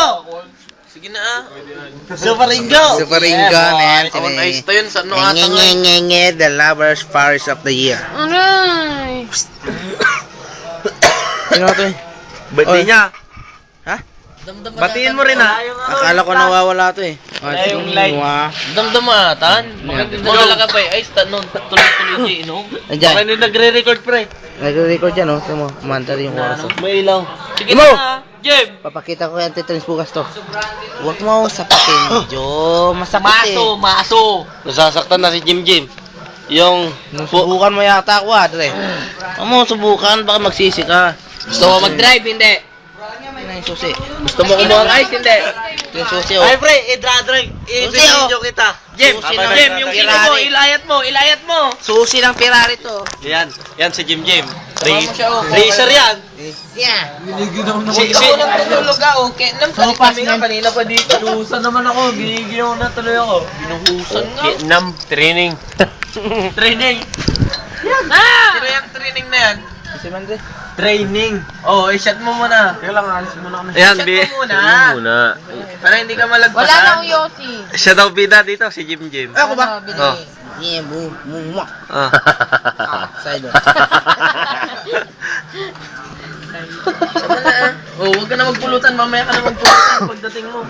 Sige na ah. Super Ringo, man. On ice to yun. Sa ano ata nga. The lovers Paris of the year. Aray! Sino ito eh? Birthday niya. Ha? Batiin mo rin ha. Akala ko nawawala ito eh. Yung light. Damdamatan. Magdala ka pa eh. Ay, tuloy-tuloy siya inom. Andiyan. Baka nagre-record pre. Nagre-record yan oh. Tignan mo, umanta rin yung oras oh. May ilaw. Sige Mo! na Jem. Papakita ko yung antitrans bukas to. Huwag mo sapakin. Medyo masakit eh. Maso. Nasasaktan na si Jim. Yung Subukan mo yata ako Dre. Huwag mo subukan, baka magsisi ka. gusto mo mag-drive, hindi. Ano yung susi? Gusto mo kumuha ng ice, hindi. Yung susi oh. Ay pre, i-drive. I-video kita. Jim, Susi ng yung sino mo, ilayat mo. Susi ng Ferrari to. Yan si Jim. Tama mo siya, oh. Racer yan. Yeah. Ako lang tutulog okay. Kami nga kanina pa dito. Binuhusan naman ako, binigyan na tuloy ako. Binuhusan nga. Vietnam, training. Sino yung training na yan? Si Mandre. Training. Oh, i-shot mo muna. Kaya lang, alis muna kami. Ayan, shot mo muna. Para hindi ka malagpasan. Wala na akong Yossi. Siya daw bida dito, si Jim. Ako ba? Oh. Yeah, mo. Ah. Side on. Sama na ah. Oh, huwag ka na magpulutan. Mamaya ka na magpulutan pagdating mo.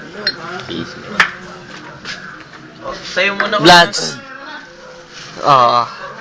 Oh, sayo mo na. Bloods. Oo.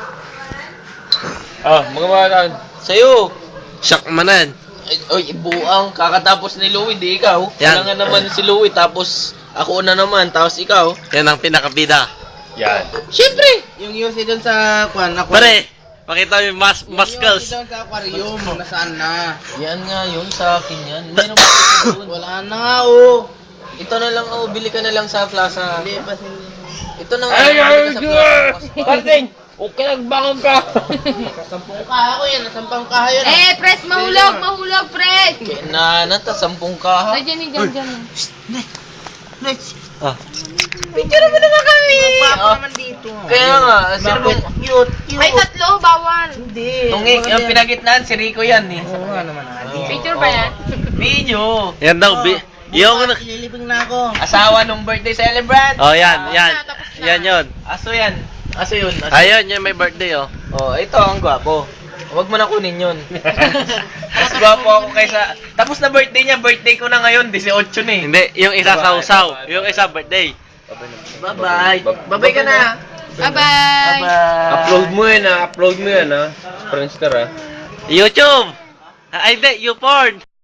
Mga malan. Sayo. Shock manan. Oy, buang. Kakatapos ni Louie, di ikaw. Yan. Kailangan naman si Louie, tapos ako na naman, tapos ikaw. Yan ang pinakabida. Yan. Siyempre! Yung Yossi doon sa kwan, Pare, pakita mo yung muscles. Yung Yossi doon sa aquarium, nasaan na? Yan nga yun, sa akin yan. Hindi naman ito doon. Wala na nga oh. Ito na lang, oh, bili ka na lang sa plaza. Hindi pa Ito na nga, bili ka sa plaza. Parting! Okay, nagbangon ka! Sampung kaha ko yan, nasampang kaha yan. Press, mahulog, press! Nata, 10 kaha. Ay, dyan. Ah. Picture mo naman kami! Papa naman dito. Kaya nga, sino bang cute? Ay, tatlo, bawal. Hindi. Tungi, yung pinagitnaan, si Rico yan eh. Oo nga naman. Picture ba yan? Video. Yan daw, yung Ililibing na ako. asawa nung birthday celebrant. Oh, yan. Tapos na. Yan yun. Aso yun. Ayun, yung may birthday oh. Oh, ito ang gwapo. Huwag mo na kunin yun. Mas gwapo ako kaysa... Tapos na birthday niya, birthday ko na ngayon, 18 na eh. Hindi, yung isa sausaw. Yung isa birthday. Bye-bye. Bye-bye ka na. Bye-bye! Upload mo yan ha. Friendster ha. YouTube! Ay, hindi, YouPorn.